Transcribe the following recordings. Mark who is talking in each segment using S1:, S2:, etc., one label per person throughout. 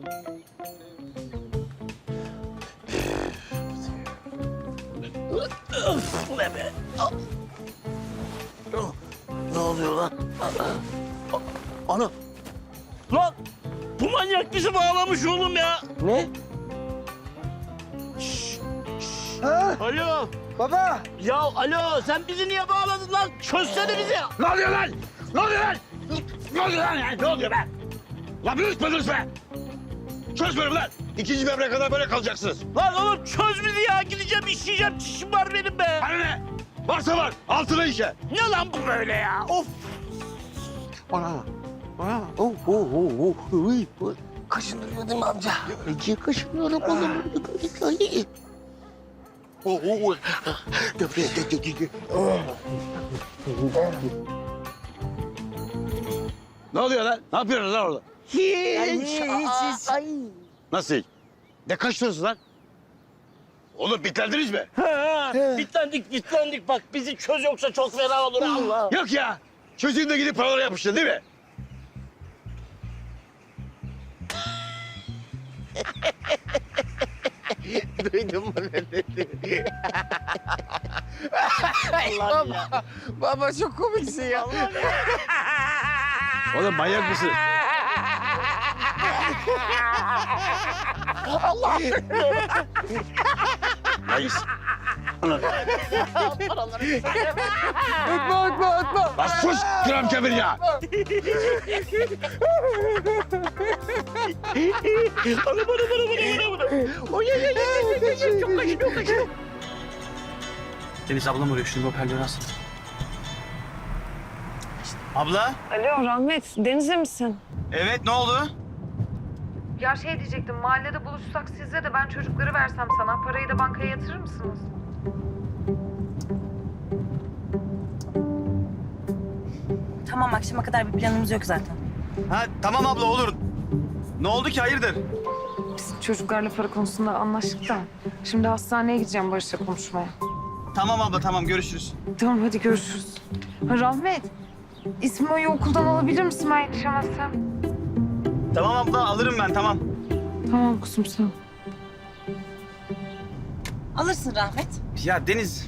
S1: Ne be? Ne oluyor lan? Ana! Lan! Bu manyak bizi bağlamış oğlum ya.
S2: Ne? Ha?
S1: Alo.
S2: Baba!
S1: Ya alo sen bizi niye bağladın lan? Çözsene bizi.
S3: Ne oluyor lan? Ne oluyor lan? Ne oluyor lan? Ne oluyor be? Lan bölüşme be! Çözmüyorum lan! İkinci devreye kadar böyle kalacaksınız.
S1: Lan oğlum çöz bizi ya. Gideceğim işleyeceğim. Çişim var benim be.
S3: Bana ne? Varsa var, altına işe.
S1: Ne lan bu böyle ya? Of.
S2: Ana! Kaşındırıyor değil mi amca?
S1: Niye kaşınıyorum oğlum?
S3: Ne oluyor lan? Ne yapıyorsunuz lan orada?
S1: Hiç.
S3: Nasıl? Ne kaçtınız lan? Oğlum bitlendiniz mi?
S1: Ha, bitlendik. Bak bizi çöz yoksa çok fena olur Allah.
S3: Yok ya. Çocuğun da gidip paralara yapıştı değil mi?
S2: Duydun mu ne dedi?
S1: Allah'ım ya.
S2: Baba çok komiksin ya.
S3: Oğlum manyak mısın?
S1: Allah.
S3: Hayır.
S2: Ötme.
S3: Lan sus kıram kemir ya.
S1: Bana. Oy çok kaşınıyor.
S4: Deniz ablam arıyor. Şunu hoparlörü alsın. Abla?
S5: Alo Rahmet, Deniz'e misin?
S4: Evet, ne oldu?
S5: Ya şey diyecektim, mahallede buluşsak sizle de ben çocukları versem sana. Parayı da bankaya yatırır mısınız?
S6: Tamam, akşama kadar bir planımız yok zaten.
S4: Ha, tamam abla olur. Ne oldu ki, hayırdır?
S5: Biz çocuklarla para konusunda anlaştık da. Şimdi hastaneye gideceğim Barış'la konuşmaya.
S4: Tamam abla, tamam görüşürüz.
S5: Tamam hadi görüşürüz. Ha, Rahmet, İsmail'i okuldan alabilir misin ben yetişemezsem?
S4: Tamam abla, alırım ben, tamam.
S5: Tamam kuzum sen.
S6: Alırsın Rahmet.
S4: Ya Deniz...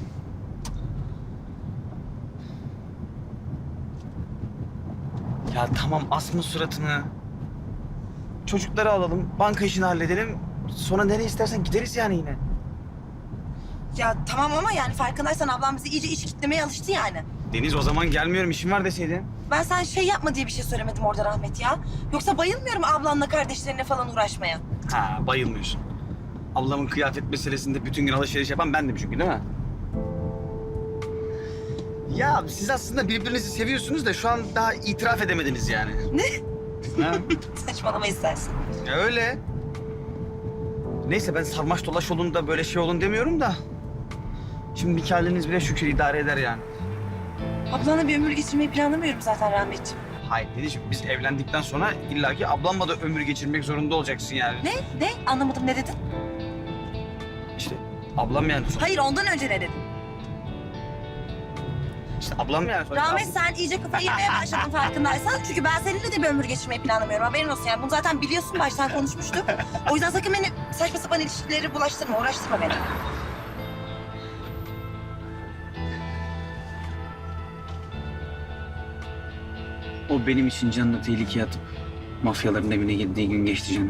S4: Ya tamam, asma suratını. Çocukları alalım, banka işini halledelim. Sonra nereye istersen gideriz yani yine.
S6: Ya tamam ama yani farkındaysan ablam bizi iyice iş kitlemeye alıştı yani.
S4: Deniz, o zaman gelmiyorum, işim var deseydin.
S6: Ben sen şey yapma diye bir şey söylemedim orada Rahmet ya. Yoksa bayılmıyorum ablanla kardeşlerine falan uğraşmaya.
S4: Ha, bayılmıyorsun. Ablamın kıyafet meselesinde bütün gün alışveriş yapan bendim çünkü, değil mi? Ya siz aslında birbirinizi seviyorsunuz da şu an daha itiraf edemediniz yani.
S6: Ne?
S4: Ha?
S6: Saçmalama istersin.
S4: Ya öyle. Neyse, ben sarmaş dolaş olun da böyle şey olun demiyorum da. Şimdi bir haliniz bile şükür idare eder yani.
S6: Ablanla bir ömür geçirmeyi planlamıyorum zaten Rahmetciğim.
S4: Hayır Denizciğim, biz evlendikten sonra illaki ablamla da ömür geçirmek zorunda olacaksın yani.
S6: Ne? Ne? Anlamadım, ne dedin?
S4: İşte ablam yani.
S6: Hayır, ondan önce ne dedin?
S4: İşte ablam yani.
S6: Rahmet, sen iyice kafayı yemeye başladın farkındaysan. Çünkü ben seninle de bir ömür geçirmeyi planlamıyorum. Haberin olsun yani. Bunu zaten biliyorsun, baştan konuşmuştuk. O yüzden sakın beni saçma sapan ilişkileri bulaştırma, uğraştırma beni.
S4: O benim için canını tehlikeye atıp mafyaların evine girdiği gün geçti canım.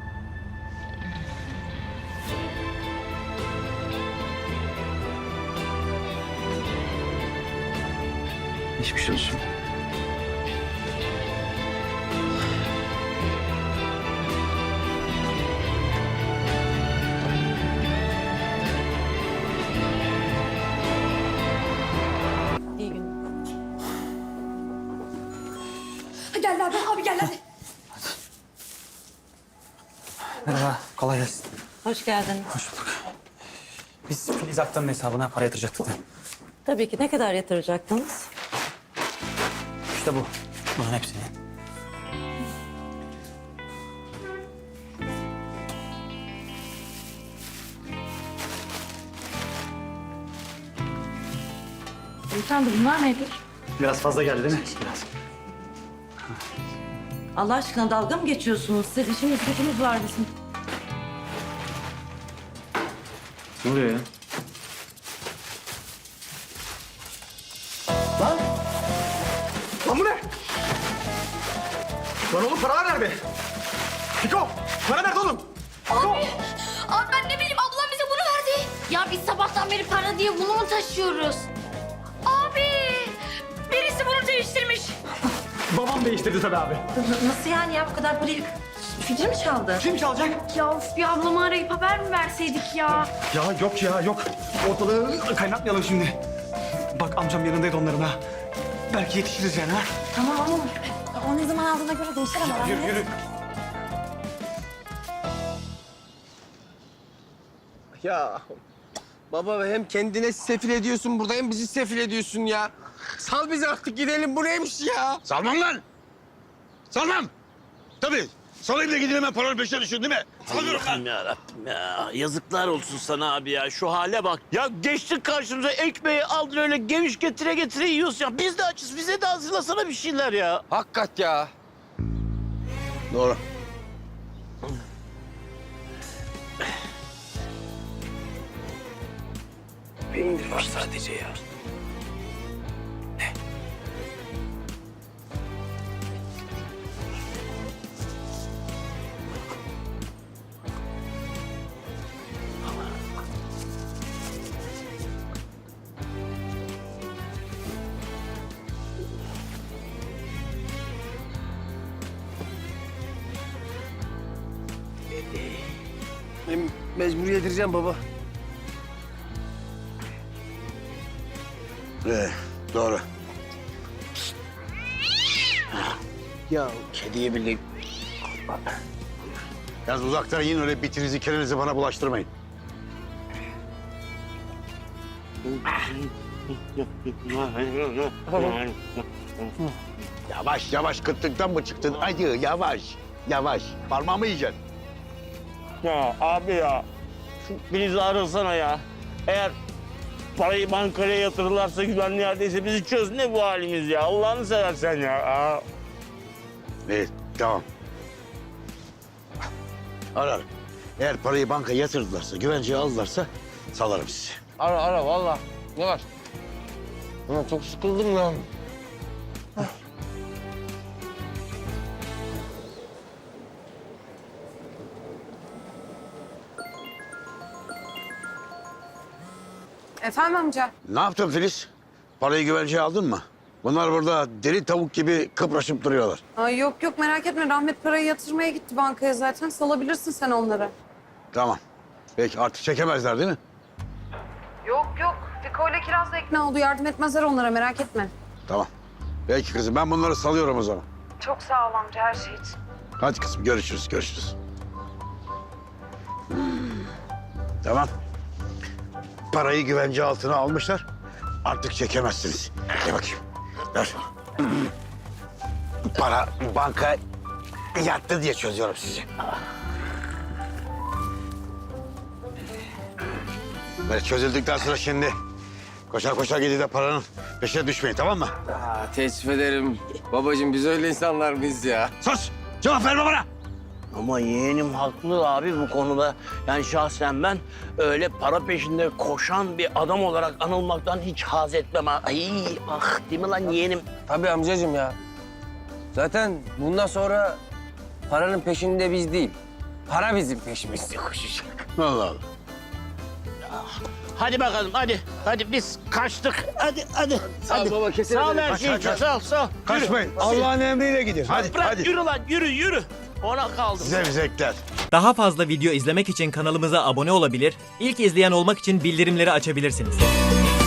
S4: Geçmiş olsun.
S6: İyi gün.
S7: Gel abi gel hadi.
S4: Merhaba, kolay gelsin.
S6: Hoş geldin.
S4: Hoş bulduk. Biz Filiz Aktan'ın hesabına para yatıracaktık da.
S6: Tabii ki. Ne kadar yatıracaktınız?
S4: İşte bu. Bunun hepsini.
S5: Beyefendi bunlar nedir?
S4: Biraz fazla geldi değil mi? Biraz.
S6: Allah aşkına dalga mı geçiyorsunuz? Siz işimiz gücümüz var bizim.
S4: Ne oluyor ya?
S8: Lan bu ne? Lan oğlum paralar nerede? Fiko, para nerede oğlum?
S7: Abi ben ne bileyim ablam bize bunu verdi. Ya biz sabahtan beri para diye bunu mu taşıyoruz? Abi birisi bunu değiştirmiş.
S8: Babam değiştirdi tabii abi.
S6: Nasıl yani ya bu kadar parayı Fikri mi çaldı?
S8: Kim çalacak?
S7: Ya of bir ablamı arayıp haber mi verseydik ya?
S8: Ya yok ya yok. Ortalığı kaynatmayalım şimdi. Bak amcam yanındaydı onların ha. Belki yetişiriz yani ha.
S6: Tamam ama o ne zaman aldığına göre değişir ama.
S8: Yürü yürü.
S2: Ya baba hem kendine sefil ediyorsun burada hem bizi sefil ediyorsun ya. Sal bizi artık gidelim bu neymiş ya?
S3: Salmam lan. Salmam. Tabii. Salayım da gidin hemen paranın peşine düşün değil mi? Salıyorum lan.
S1: Allah'ım yarabbim ya. Yazıklar olsun sana abi ya. Şu hale bak. Ya geçtik karşımıza ekmeği aldın öyle geviş getire getire yiyorsun ya. Biz de açız. Bize de hazırlasana bir şeyler ya.
S2: Hakikat ya.
S3: Doğru.
S1: Peynir var sadece ya.
S2: Ben mecbur yedireceğim baba.
S3: Doğru.
S2: Ya kediye bile...
S3: Yalnız uzaktan yiyin öyle bitinizi kerenizi bana bulaştırmayın. Yavaş yavaş kıtlıktan mı çıktın? Hadi yavaş yavaş. Parmağımı yiyeceksin.
S1: Ya abi ya. Şu Filiz'i arasana ya. Eğer parayı bankaya yatırırlarsa güvenli yerdeyse bizi çöz. Ne bu halimiz ya? Allah'ını seversen ya. Aa.
S3: İyi tamam. Ararım. Eğer parayı bankaya yatırdılarsa, güvenceye aldılarsa salarım sizi.
S2: Ara valla. Ne var? Ya çok sıkıldım lan.
S9: Efendim amca?
S3: Ne yaptın Filiz? Parayı güvenceye aldın mı? Bunlar burada deli tavuk gibi kıpraşıp duruyorlar.
S9: Ay yok merak etme. Rahmet parayı yatırmaya gitti bankaya zaten. Salabilirsin sen onları.
S3: Tamam. Peki artık çekemezler değil mi?
S9: Yok. Fiko ile Kiraz da ikna oldu. Yardım etmezler onlara merak etme.
S3: Tamam. Peki kızım ben bunları salıyorum o zaman.
S9: Çok sağ ol amca her şey için.
S3: Hadi kızım görüşürüz. Tamam. Parayı güvence altına almışlar. Artık çekemezsiniz. Gel bakayım. Ver. Para banka yattı diye çözüyorum sizi. Böyle çözüldükten sonra şimdi koşar gidip de paranın peşine düşmeyin tamam mı?
S2: Teessüf ederim. Babacığım biz öyle insanlar mıyız ya?
S3: Sus! Cevap verme bana!
S1: Ama yeğenim haklı abi bu konuda. Yani şahsen ben öyle para peşinde koşan bir adam olarak anılmaktan hiç haz etmem. Ay ah değil mi lan yeğenim?
S2: Tabii amcacığım ya. Zaten bundan sonra paranın peşinde biz değil. Para bizim peşimizde koşacak.
S3: Allah Allah.
S1: Hadi bakalım hadi. Hadi biz kaçtık. Hadi.
S2: Sağ ol baba kesin.
S1: Sağ ol her şey için sağ ol.
S3: Kaçmayın. Allah'ın emriyle gidin. Hadi
S1: Bırak
S3: hadi.
S1: yürü lan yürü. Ona kaldım.
S3: Zevzekler.
S10: Daha fazla video izlemek için kanalımıza abone olabilir, ilk izleyen olmak için bildirimleri açabilirsiniz.